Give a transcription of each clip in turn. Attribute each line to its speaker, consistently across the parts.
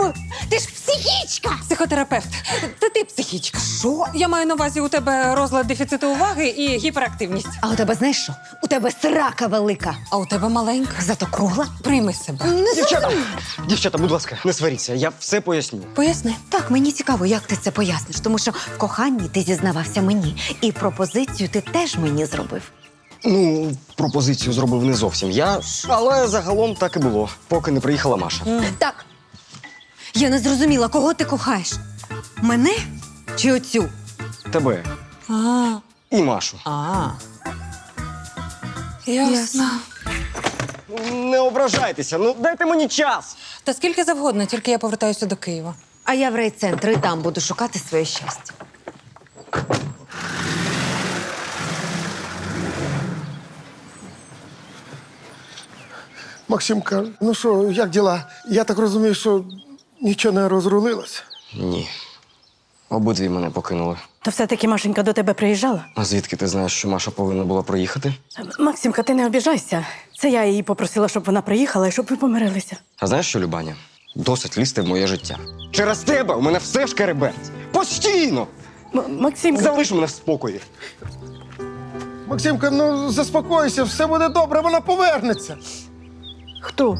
Speaker 1: Ну, ти ж психічка!
Speaker 2: Психотерапевт. Це ти психічка. Що? Я маю на увазі, у тебе розлад дефіциту уваги і гіперактивність.
Speaker 1: А у тебе знаєш що? У тебе срака велика.
Speaker 2: А у тебе маленька.
Speaker 1: Зато кругла.
Speaker 2: Прийми себе.
Speaker 3: Дівчата, будь ласка, не сваріться, я все поясню.
Speaker 2: Поясни.
Speaker 1: Так, мені цікаво, як ти це поясниш, тому що в коханні ти зізнавався мені, і пропозицію ти теж мені зробив.
Speaker 3: Ну, пропозицію зробив не зовсім я, але загалом так і було, поки не приїхала Маша.
Speaker 1: Так. Я не зрозуміла, кого ти кохаєш? Мене чи оцю?
Speaker 3: Тебе
Speaker 2: А.
Speaker 3: і Машу.
Speaker 2: Ясно.
Speaker 3: Не ображайтеся, ну дайте мені час.
Speaker 2: Та скільки завгодно, тільки я повертаюся до Києва.
Speaker 1: А я в райцентр і там буду шукати своє щастя.
Speaker 4: Максимка, ну що, як діла? Я так розумію, що нічого не розрулилось.
Speaker 3: Ні. Обидві мене покинули.
Speaker 5: То все-таки Машенька до тебе приїжджала?
Speaker 3: А звідки ти знаєш, що Маша повинна була приїхати?
Speaker 5: Максимка, ти не обіжайся. Це я її попросила, щоб вона приїхала і щоб ви помирилися.
Speaker 3: А знаєш що, Любаня? Досить лізти в моє життя. Через тебе у мене все шкереберть. Постійно!
Speaker 5: Максимка,
Speaker 3: Залиш мене в спокої.
Speaker 4: Максимка, ну заспокойся, все буде добре, вона повернеться.
Speaker 5: хто?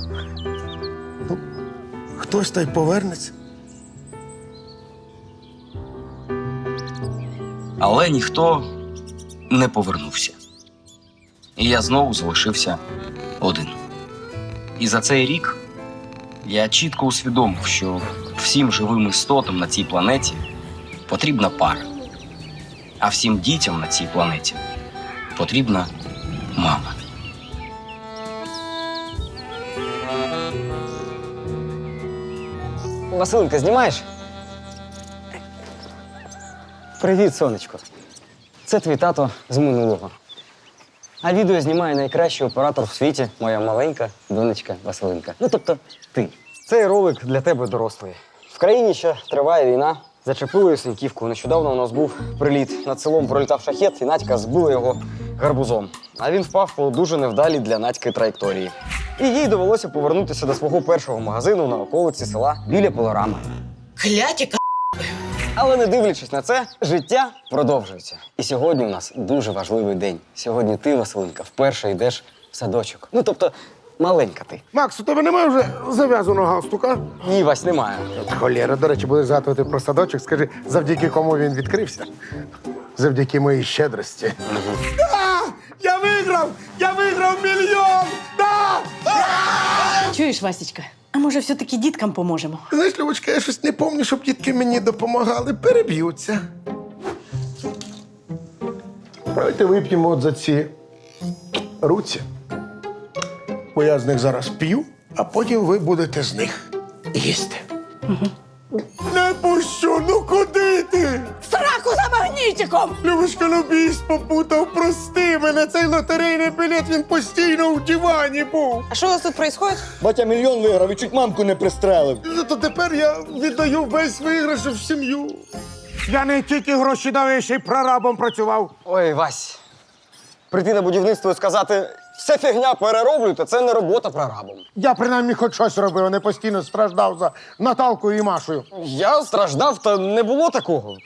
Speaker 4: Хтось та й повернеться.
Speaker 6: Але ніхто не повернувся. І я знову залишився один. І за цей рік я чітко усвідомив, що всім живим істотам на цій планеті потрібна пара. А всім дітям на цій планеті потрібна мама.
Speaker 3: Василинка, знімаєш? Привіт, сонечко. Це твій тато з минулого. А відео знімає найкращий оператор в світі, моя маленька донечка Василинка. Ну, тобто, ти. Цей ролик для тебе дорослий. В країні ще триває війна. Зачепили Синьківку. Нещодавно у нас був приліт. Над селом пролітав шахет, і Надька збила його гарбузом. А він впав по дуже невдалій для Надьки траєкторії. І їй довелося повернутися до свого першого магазину на околиці села біля Пилорами.
Speaker 7: Кляті
Speaker 3: Але не дивлячись на це, життя продовжується. І сьогодні у нас дуже важливий день. Сьогодні ти, Василинка, вперше йдеш в садочок. Ну, тобто, маленька ти.
Speaker 4: Макс, у тебе немає вже зав'язаного галстука?
Speaker 3: Ні, Вась, немає.
Speaker 4: Холєра, до речі, будеш згадувати про садочок. Скажи, завдяки кому він відкрився? Завдяки моїй щедрості. Да! Я виграв! Я виграв мільйон! Да!
Speaker 5: Чуєш, Васечка? А може, все-таки діткам поможемо?
Speaker 4: Знаєш, Любочка, я щось не пам'ятаю, щоб дітки мені допомагали. Переб'ються. Давайте вип'ємо от за ці руці. Бо я з них зараз п'ю, а потім ви будете з них їсти. Не пущу, ну куди ти?
Speaker 7: Сраку за магнітиком!
Speaker 4: Любочка, ну біс попутав, прости мене. Цей лотерейний білет, він постійно в дивані був.
Speaker 2: А що у вас тут відбувається?
Speaker 8: Батя мільйон виграв і чуть мамку не пристрелив.
Speaker 4: То тепер я віддаю весь виграш в сім'ю. Я не тільки гроші дав, ще й прорабом працював.
Speaker 3: Ой, Вась, прийти на будівництво і сказати, все фігня перероблюйте, це не робота прорабом.
Speaker 4: Я принаймні хоч щось робив, а не постійно страждав за Наталкою і Машею.
Speaker 3: Я страждав, та не було такого.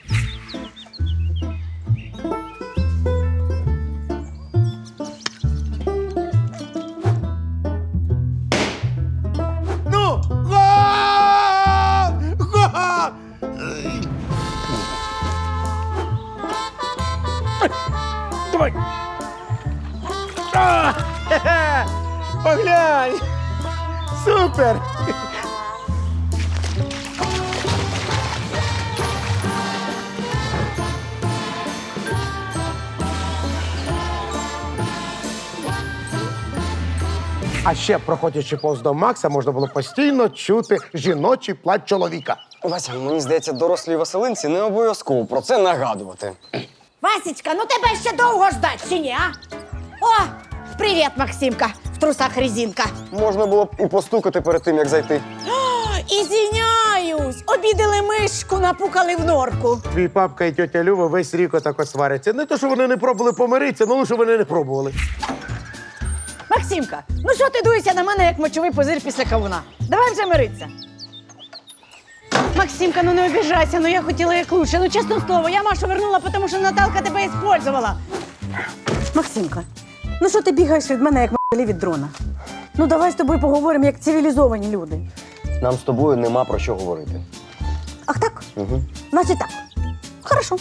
Speaker 4: Ну, гол! Гол! Давай! А, хе-хе! Поглянь! Супер! А ще, проходячи повз дом Макса, можна було постійно чути жіночий плач чоловіка.
Speaker 3: Вася, мені здається, дорослій Василинці не обов'язково про це нагадувати.
Speaker 7: Васечка, ну тебе ще довго ждать, чи ні, а? О, привіт, Максимка, в трусах резинка.
Speaker 3: Можна було б і постукати перед тим, як зайти.
Speaker 7: Ізвиняюсь, обідали мишку, напукали в норку.
Speaker 4: Твій папка і тьотя Люба весь рік отако сваряться. Не то, що вони не пробували помиритися, ну лише вони не пробували.
Speaker 7: Максимка, ну що ти дуєшся на мене, як мочовий пузир після кавуна? Давай вже миритися. Максимка, ну не обіжайся, ну я хотіла як лучше. Ну, чесне слово, я Машу вернула, тому що Наталка тебе использовала.
Speaker 5: Максимка, ну що ти бігаєш від мене, як м***лі від дрона? Ну давай з тобою поговоримо, як цивілізовані люди.
Speaker 3: Нам з тобою нема про що говорити.
Speaker 5: Ах так?
Speaker 3: Угу.
Speaker 5: Значить так. Хорошо.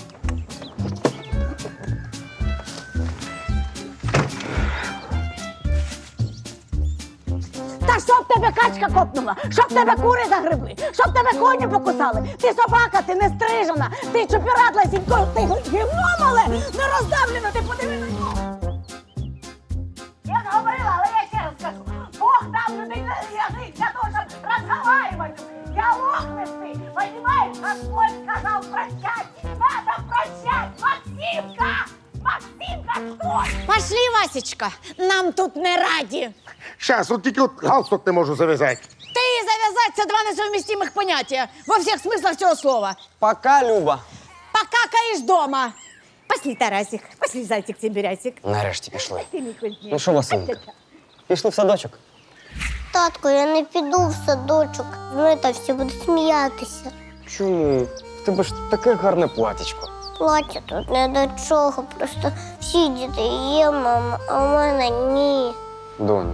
Speaker 7: Та щоб тебе качка копнула, щоб тебе кури загребли, щоб тебе коні покусали. Ти собака, ти не стрижена, ти чупірадла сінько, ти гівно мале, не роздавлена, ти подиви на нього. Я не говорила, але я ще раз скажу. Бог дав людей на язик для того, щоб розговаривати. Діалогності, понимаєш? Господь сказав прощать, надо прощать, Максимка! Максимка, стой! Пошли, Васечка, нам тут не раді.
Speaker 4: Щас, от тільки галстук не можу зав'язати.
Speaker 7: Ты и завязать — це два несовместимых понятия во всех смыслах цього слова.
Speaker 3: Пока, Люба.
Speaker 7: Покакаешь дома. Пошли, Тарасик, пошли, зайчик, Тимбирятик.
Speaker 3: Нарешті пішли.
Speaker 7: Ты, Микольчик.
Speaker 3: Ну що, Василинка, пішли в садочок?
Speaker 9: Татко, я не піду в садочок. Та всі будуть сміятися.
Speaker 3: Чому? В тебе ж таке гарне платічко.
Speaker 9: Плаття тут не до чого. Просто всі діти є, мама, а в мене ні.
Speaker 3: Доню,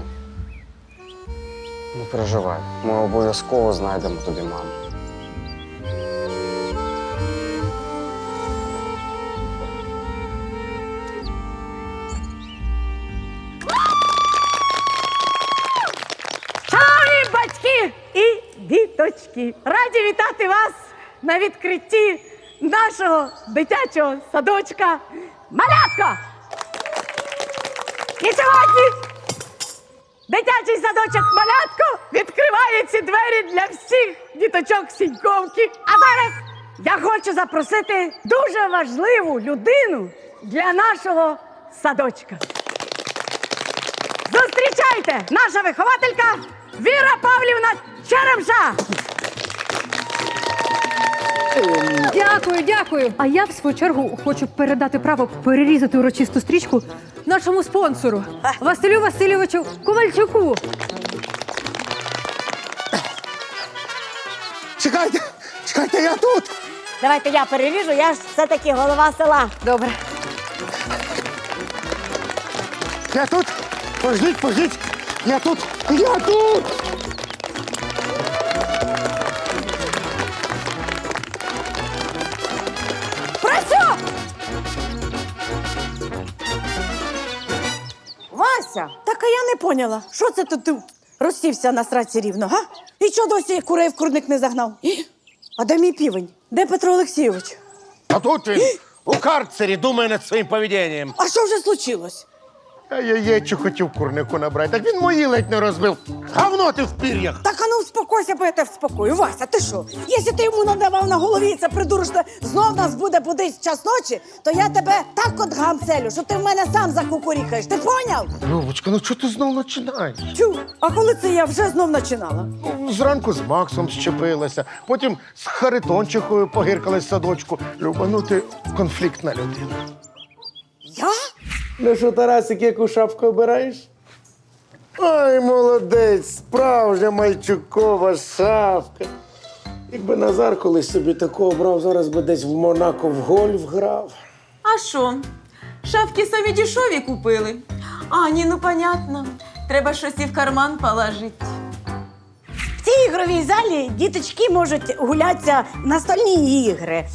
Speaker 3: не переживай, ми обов'язково знайдемо тобі маму.
Speaker 5: Шановні батьки і діточки! Раді вітати вас на відкритті нашого дитячого садочка «Малятко». І сьогодні дитячий садочок «Малятко» відкриває ці двері для всіх діточок Сіньковки. А зараз я хочу запросити дуже важливу людину для нашого садочка. Зустрічайте, наша вихователька Віра Павлівна Черемша.
Speaker 2: Дякую, дякую. А я, в свою чергу, хочу передати право перерізати урочисту стрічку нашому спонсору Василю Васильовичу Ковальчуку.
Speaker 4: Чекайте, я тут.
Speaker 7: Давайте я переріжу, я ж все-таки голова села.
Speaker 2: Добре.
Speaker 4: Я тут. Пождіть. Я тут.
Speaker 7: Працю!
Speaker 5: Вася, так а я не поняла, що це ти розсівся на сраці рівно, га? І чого досі курей в курник не загнав? А де мій півень? Де Петро Олексійович?
Speaker 4: А тут він у карцері думає над своїм поведінням.
Speaker 5: А що вже случилось?
Speaker 4: А я яєчу хотів курнику набрати, так він мої ледь не розбив. Говно ти в пір'ях.
Speaker 5: Так, а ну успокойся, бо я тебе вспокою. Вася, ти що? Якщо ти йому надавав на голові це придурочне, знов нас буде будить в час ночі, то я тебе так от гамцелю, що ти в мене сам закукурікаєш. Ти поняв?
Speaker 4: Любочка, ну чого ти знов починаєш?
Speaker 5: Чу, а коли це я вже знов починала?
Speaker 4: Зранку з Максом щепилася, потім з Харитончихою погиркалась в садочку. Люба, ну ти конфліктна людина.
Speaker 5: Я?
Speaker 10: Ну що, Тарасик, яку шапку обираєш?
Speaker 4: Ой, молодець, справжня мальчукова шапка.
Speaker 10: Якби Назар колись собі таку обрав, зараз би десь в Монако в гольф грав.
Speaker 11: А що? Шапки самі дешеві купили. А, ні, ну понятно. Треба щось і в карман положити.
Speaker 7: В цій ігровій залі діточки можуть гулятися в настольні ігри.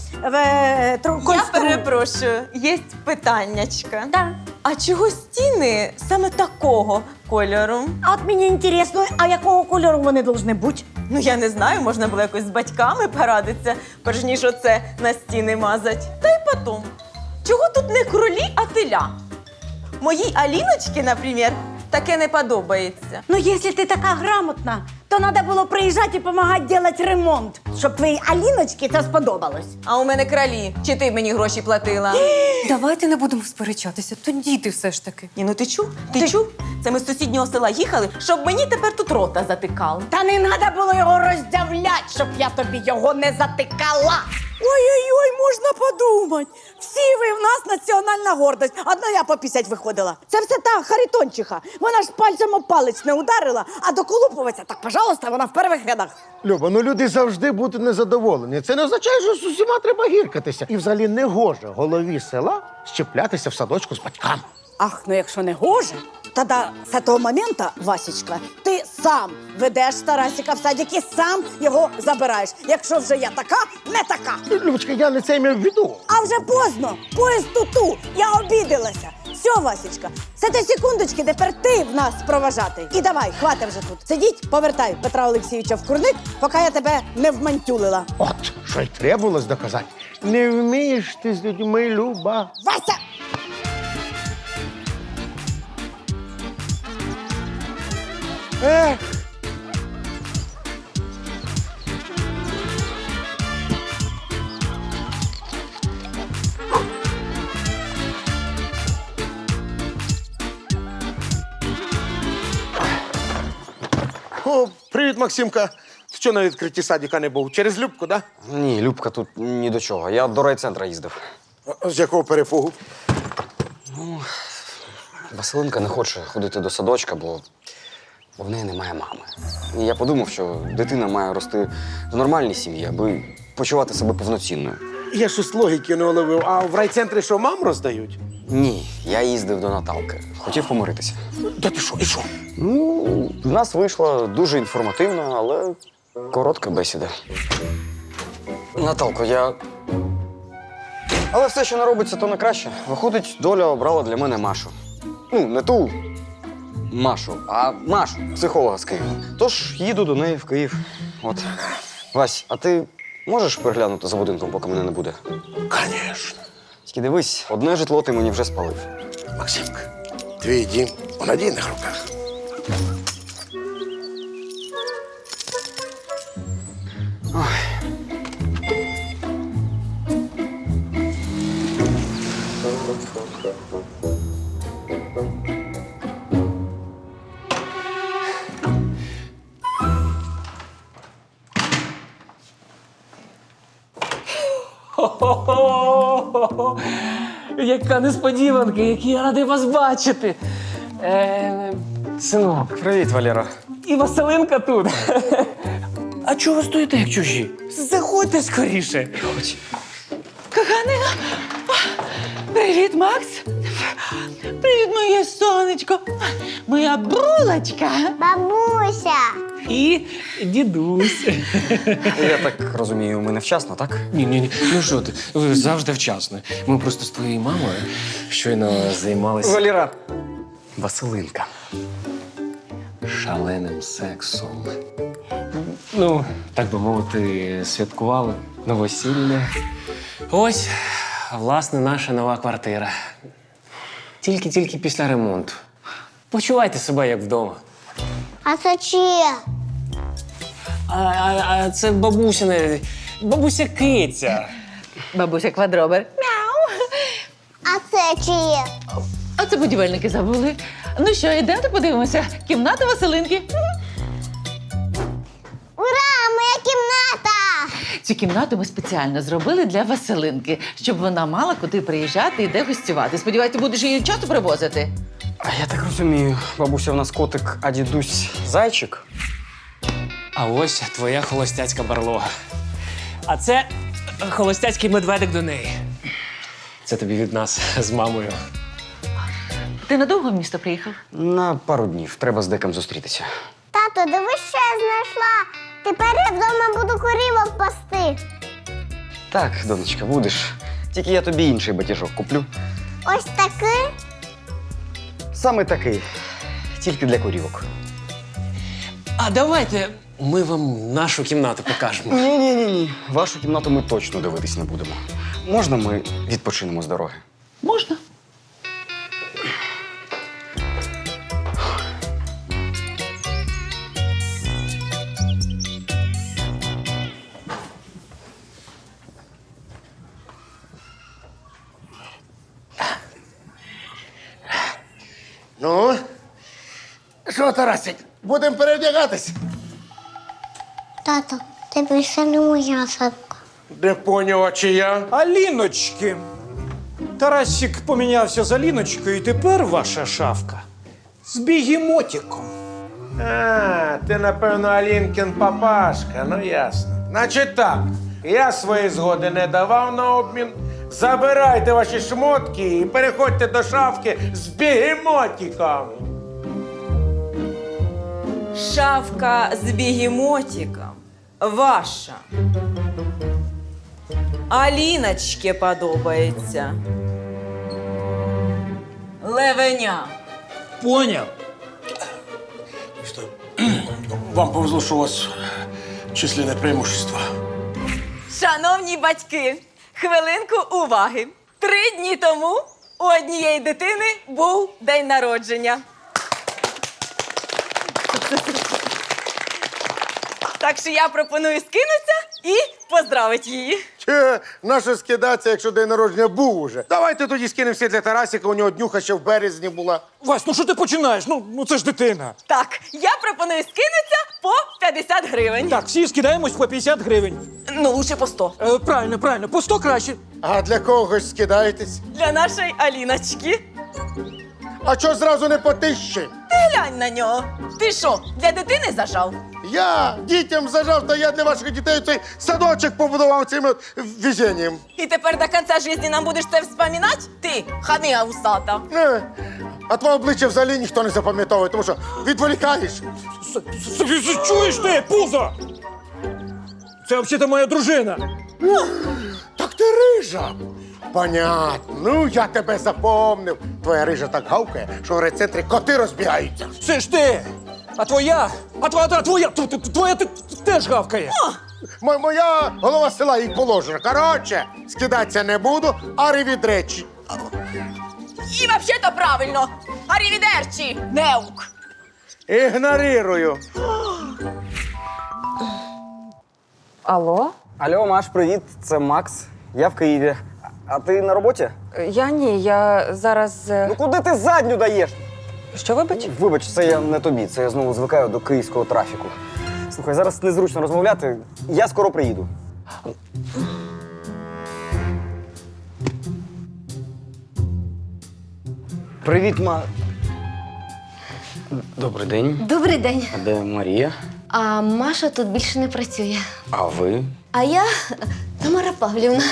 Speaker 11: Я перепрошую, є питаннячка.
Speaker 7: Да.
Speaker 11: А чого стіни саме такого кольору?
Speaker 7: А от мені цікаво, а якого кольору вони повинні бути?
Speaker 11: Ну, я не знаю, можна було якось з батьками порадитися, перш ніж оце на стіни мазать. Та й потім, чого тут не кролі, а теля? Моїй Аліночці, наприклад, таке не подобається.
Speaker 7: Ну, якщо ти така грамотна, то треба було приїжджати і допомагати робити ремонт, щоб твоїй Аліночці це сподобалось.
Speaker 11: А у мене кролі. Чи ти мені гроші платила?
Speaker 2: Давайте не будемо сперечатися, то діти все ж таки.
Speaker 11: Ні, ну ти чув? Ти чув? Це ми з сусіднього села їхали, щоб мені тепер тут рота затикали.
Speaker 7: Та не треба було його роздявляти, щоб я тобі його не затикала.
Speaker 5: Ой-ой-ой, можна подумати. Всі ви в нас національна гордость. Одна я по 50 виходила. Це все та Харитончиха. Вона ж пальцем об палець не ударила, а доколупуватися, так, пожалуйста, вона в перших рядах.
Speaker 4: Люба, ну люди завжди будуть бути незадоволені. Це не означає, що з усіма треба гіркатися. І взагалі не гоже голові села щеплятися в садочку з батьками.
Speaker 7: Ах, ну якщо не гоже, тоді з того моменту, Васечка, ти сам ведеш Тарасика в садик і сам його забираєш. Якщо вже я така, не така.
Speaker 4: Любочка, я не це мав в виду.
Speaker 7: А вже поздно, поїзд туту, я обідалася. Все, Васечка, з цієї секундочки тепер ти в нас проважати. І давай, хватить вже тут. Сидіть, повертай Петра Олексійовича в курник, поки я тебе не вмантюлила.
Speaker 4: От, що й требувалось доказати. Не вмієш ти з людьми, Люба.
Speaker 7: Вася!
Speaker 4: Ех. О, привіт, Максимка. Ти що на відкритті садика не був? Через Любку, да?
Speaker 3: Ні, Любка тут ні до чого. Я до райцентра їздив.
Speaker 4: З якого перепугу?
Speaker 3: Василинка не хоче ходити до садочка, бо в неї немає мами. І я подумав, що дитина має рости в нормальній сім'ї, аби почувати себе повноцінною.
Speaker 4: Я щось логіки не уловив. А в райцентрі що, мам роздають?
Speaker 3: Ні, я їздив до Наталки. Хотів помиритися.
Speaker 4: Та ти що, і що?
Speaker 3: Ну, в нас вийшла дуже інформативна, але коротка бесіда. Наталко, Але все, що не робиться, то не краще. Виходить, доля обрала для мене Машу. Ну, не ту Машу, а Машу, психолога з Києва. Тож їду до неї в Київ. От. Вась, а ти можеш переглянути за будинком, поки мене не буде?
Speaker 4: Конечно.
Speaker 3: Тільки дивись, одне житло ти мені вже спалив.
Speaker 4: Максимка, твій дім у надійних руках.
Speaker 10: Хо-хо-хо! Яка несподіванка, який я радий вас бачити. Синок,
Speaker 3: Привіт, Валера.
Speaker 10: і Василинка тут. А чого ви стоїте, як чужі? Заходьте скоріше.
Speaker 11: Коханий, привіт, Макс. Привіт, моє сонечко. Моя брулочка.
Speaker 9: Бабуся!
Speaker 10: І дідусь.
Speaker 3: Я так розумію, ми невчасно, так?
Speaker 10: Ні. Ну що ти, ви завжди вчасно. Ми просто з твоєю мамою щойно займалися.
Speaker 3: Валера.
Speaker 10: Василинка. Шаленим сексом. Ну, так би мовити, святкували новосілля. Ось, власне, наша нова квартира. Тільки після ремонту. Почувайте себе як вдома.
Speaker 9: А це чиє?
Speaker 10: А це бабуся Киця.
Speaker 11: Бабуся Квадробер.
Speaker 9: А це чиє?
Speaker 11: А це будівельники забули. Ну що, йдемо подивимося. Кімната Василинки.
Speaker 9: Ура! Моя кімната!
Speaker 11: Цю кімнату ми спеціально зробили для Василинки, щоб вона мала куди приїжджати і де гостювати. Сподіваюся, ти будеш її часто привозити?
Speaker 3: А я так розумію, бабуся в нас котик, а дідусь зайчик.
Speaker 10: А ось твоя холостяцька барлога. А це холостяцький медведик до неї. Це тобі від нас з мамою.
Speaker 11: Ти надовго в місто приїхав?
Speaker 3: На пару днів. Треба з деком зустрітися.
Speaker 9: Тато, дивись, що я знайшла. Тепер я вдома буду корівок пасти.
Speaker 3: Так, донечка, будеш. Тільки я тобі інший батіжок куплю.
Speaker 9: Ось такий.
Speaker 3: Саме такий. Тільки для курівок.
Speaker 10: А давайте ми вам нашу кімнату покажемо.
Speaker 3: Ні. Вашу кімнату ми точно дивитись не будемо. Можна ми відпочинемо з дороги?
Speaker 11: Можна.
Speaker 4: Ну, що, Тарасик, будемо перевдягатись?
Speaker 9: Тато, ти більше не моя садка.
Speaker 4: Не поняв, а чия?
Speaker 12: Аліночки. Тарасик помінявся з Аліночкою, і тепер ваша шафка з бігемотиком.
Speaker 4: А, ти, напевно, Алінкін папашка, ну ясно.
Speaker 13: Значить так, я своєї згоди не давав на обмін. Забирайте ваші шмотки і переходьте до шафки з бігемотиком.
Speaker 11: Шафка з бігемотиком ваша. Аліночке подобається. Левеня.
Speaker 12: Поняв.
Speaker 4: Вам повезло, що у вас численне преимущество.
Speaker 11: Шановні батьки, хвилинку уваги. 3 дні тому у однієї дитини був день народження. Так що я пропоную скинутися і поздравити її.
Speaker 4: Наше скидатися, якщо день народження був уже. Давайте тоді скинемося для Тарасика, у нього днюха ще в березні була.
Speaker 12: Вась, ну що ти починаєш? Ну це ж дитина.
Speaker 11: Так, я пропоную скинутися по 50 гривень.
Speaker 12: Так, всі скидаємось по 50 гривень.
Speaker 11: Ну, лучше по 100.
Speaker 12: Правильно, по 100 краще.
Speaker 4: А для когось скидаєтесь?
Speaker 11: Для нашої Аліночки.
Speaker 4: А чого зразу не по 1000?
Speaker 11: Ти глянь на нього. Ти що, для дитини зажав?
Speaker 4: Я дітям зажав, та я для ваших дітей цей садочок побудував цим от везінням.
Speaker 11: І тепер до кінця життя нам будеш це вспоминати? Ти, ханига усата.
Speaker 4: А твоє обличчя взагалі ніхто не запам'ятовує, тому що відволікаєш.
Speaker 12: Чуєш ти, пузо? Це взагалі моя дружина.
Speaker 4: Так ти рижа. Понятно. Ну, я тебе запомнив. Твоя рижа так гавкає, що в райцентрі коти розбігаються.
Speaker 12: Це ж ти. А твоя теж гавкає.
Speaker 4: Моя голова села їй положена. Коротше, скидатися не буду, а ревідречі.
Speaker 11: І взагалі-то правильно. Арівідерчі, неук.
Speaker 4: Ігнорирую.
Speaker 1: Алло?
Speaker 3: Алло, Маш, привіт, це Макс. Я в Києві. А ти на роботі?
Speaker 1: Я ні, я зараз.
Speaker 3: Ну куди ти задню даєш?
Speaker 1: Що, вибач?
Speaker 3: Вибач, це я не тобі, це я знову звикаю до київського трафіку. Слухай, зараз незручно розмовляти, я скоро приїду. Привіт, Добрий день.
Speaker 9: Добрий день.
Speaker 3: А де Марія?
Speaker 9: А Маша тут більше не працює.
Speaker 3: А ви?
Speaker 9: А я Тамара Павлівна.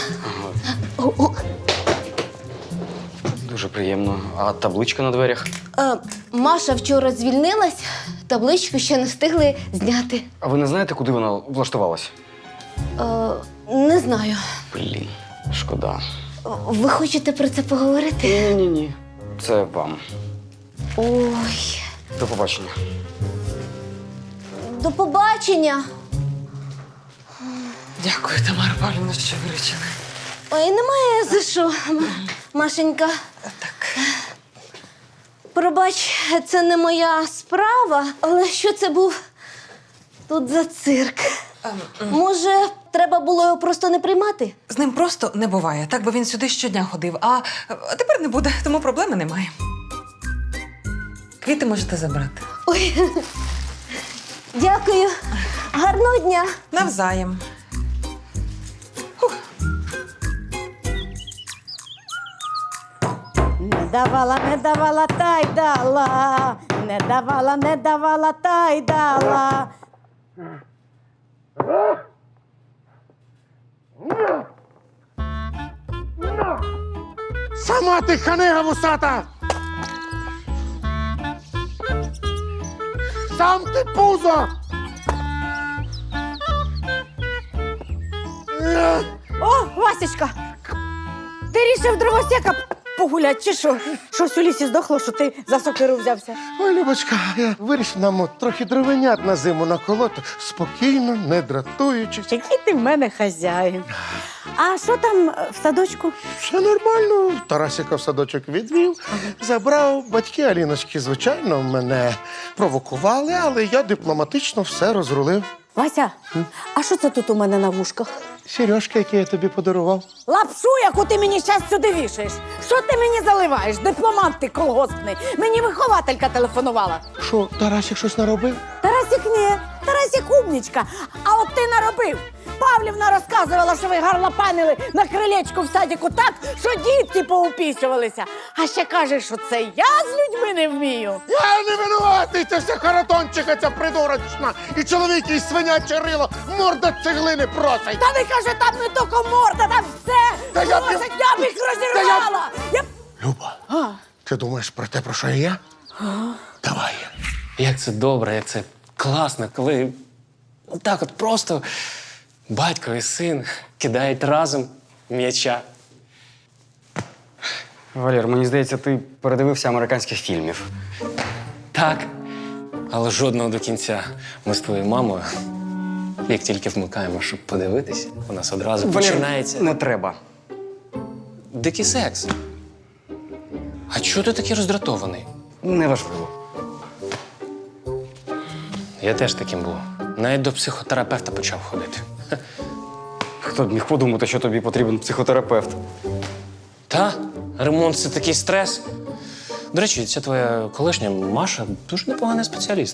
Speaker 3: Дуже приємно. А табличка на дверях?
Speaker 9: Маша вчора звільнилась, табличку ще не встигли зняти.
Speaker 3: А ви не знаєте, куди вона влаштувалась?
Speaker 9: Не знаю.
Speaker 3: Блін, шкода.
Speaker 9: Ви хочете про це поговорити?
Speaker 3: Ні. Це вам.
Speaker 9: Ой.
Speaker 3: До побачення.
Speaker 9: До побачення.
Speaker 1: Дякую, Тамара Павлівна, що виручили.
Speaker 9: Ой, немає за що, Машенька.
Speaker 1: Так.
Speaker 9: Пробач, це не моя справа, але що це був тут за цирк? Може, треба було його просто не приймати?
Speaker 1: З ним просто не буває. Так би він сюди щодня ходив. А тепер не буде, тому проблеми немає. Квіти можете забрати.
Speaker 9: Ой, дякую. Гарного дня.
Speaker 1: Навзаєм.
Speaker 7: Не давала, та й дала. Не давала, та й дала.
Speaker 4: Сама ти ханига вусата! Сам ти пузо!
Speaker 7: О, Васечка! Ти рішив дровосека погулять, чи що? Щось у лісі здохло, що ти за сокиру взявся.
Speaker 4: Ой, Любочка, я вирішив нам от трохи дровенят на зиму наколоти, спокійно, не дратуючись.
Speaker 7: Який ти в мене хазяїн. А що там в садочку?
Speaker 4: Все нормально. Тарасика в садочок відвів, забрав. Батьки Аліночки, звичайно, мене провокували, але я дипломатично все розрулив.
Speaker 7: Вася, а що це тут у мене на вушках?
Speaker 4: Сережки, які я тобі подарував.
Speaker 7: Лапшу, яку ти мені щас сюди вішаєш. Що ти мені заливаєш? Дипломат ти колгоспний. Мені вихователька телефонувала.
Speaker 4: Що, Тарасик щось наробив?
Speaker 7: Тарасик ні, Тарасик умнічка. А от ти наробив. По Павлівна розказувала, що ви гарлопанили на крилечку в садіку так, що дітки поупісювалися. А ще каже, що це я з людьми не вмію.
Speaker 4: Я не винуватий, це все харатончиха ця придурочна. І чоловік, і свиняче рило, морда цеглини просить.
Speaker 7: Та не каже, там не тільки морда, там все.
Speaker 4: Та я б-
Speaker 7: Просить, я б їх розірвала.
Speaker 4: Люба, ти думаєш про те, про що і я? Давай.
Speaker 10: Як це добре, як це класно, коли так от просто батько і син кидають разом м'яча.
Speaker 3: Валер, мені здається, ти передивився американських фільмів.
Speaker 10: Так, але жодного до кінця. Ми з твоєю мамою, як тільки вмикаємо, щоб подивитись, у нас одразу починається
Speaker 3: Не треба.
Speaker 10: дикий секс. А чого ти такий роздратований?
Speaker 3: Неважливо.
Speaker 10: Я теж таким був. Навіть до психотерапевта почав ходити.
Speaker 3: Хто б міг подумати, що тобі потрібен психотерапевт?
Speaker 10: Та, ремонт це такий стрес. До речі, ця твоя колишня Маша дуже непоганий спеціаліст.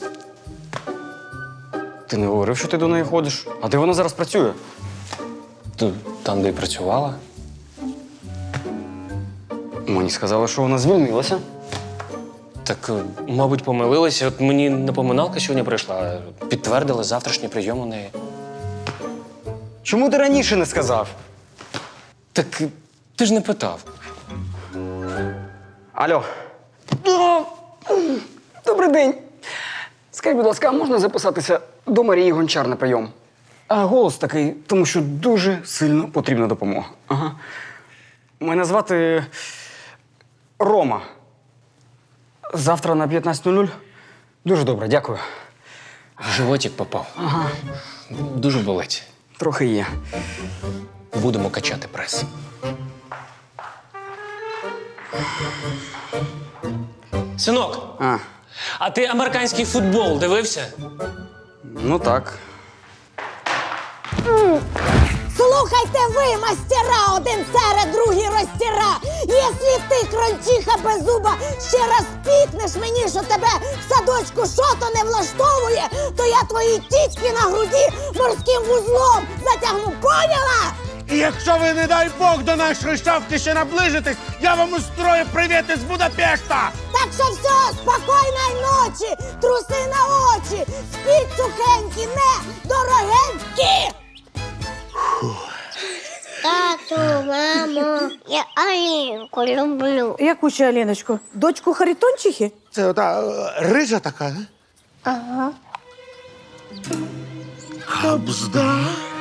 Speaker 3: Ти не говорив, що ти до неї ходиш. А де вона зараз працює?
Speaker 10: Там, де й працювала.
Speaker 3: Мені сказали, що вона звільнилася.
Speaker 10: Так, мабуть, помилилися. От мені напоминалка сьогодні прийшла. Підтвердили завтрашній прийом у неї.
Speaker 3: Чому ти раніше не сказав?
Speaker 10: Так ти ж не питав.
Speaker 3: Алло. Добрий день. Скажіть, будь ласка, а можна записатися до Марії Гончар на прийом? А голос такий, тому що дуже сильно потрібна допомога. Ага. Мене звати Рома. Завтра на 15:00? Дуже добре, дякую.
Speaker 10: В животик попав.
Speaker 3: Ага.
Speaker 10: Дуже болить.
Speaker 3: Трохи є.
Speaker 10: Будемо качати прес. Синок, а ти американський футбол дивився?
Speaker 3: Ну так.
Speaker 7: Слухайте ви, мастера, один серед, другий розтіра. Якщо ти, крольчиха без зуба, ще раз пікнеш мені, що тебе в садочку шото не влаштовує, то я твої тітки на груді морським вузлом затягну, поняла?
Speaker 13: І якщо ви, не дай Бог, до нашої шавки ще наближитесь, я вам устрою привіт із Будапешта!
Speaker 7: Так що все, спокійної ночі, труси на очі, спіть сухенькі, не дорогенькі!
Speaker 14: Тату, мамо, я Алінку люблю.
Speaker 7: Яку ще Аліночку? Дочку Харитончихи?
Speaker 4: Це ота рижа така, не?
Speaker 14: Ага.
Speaker 4: Хабзда.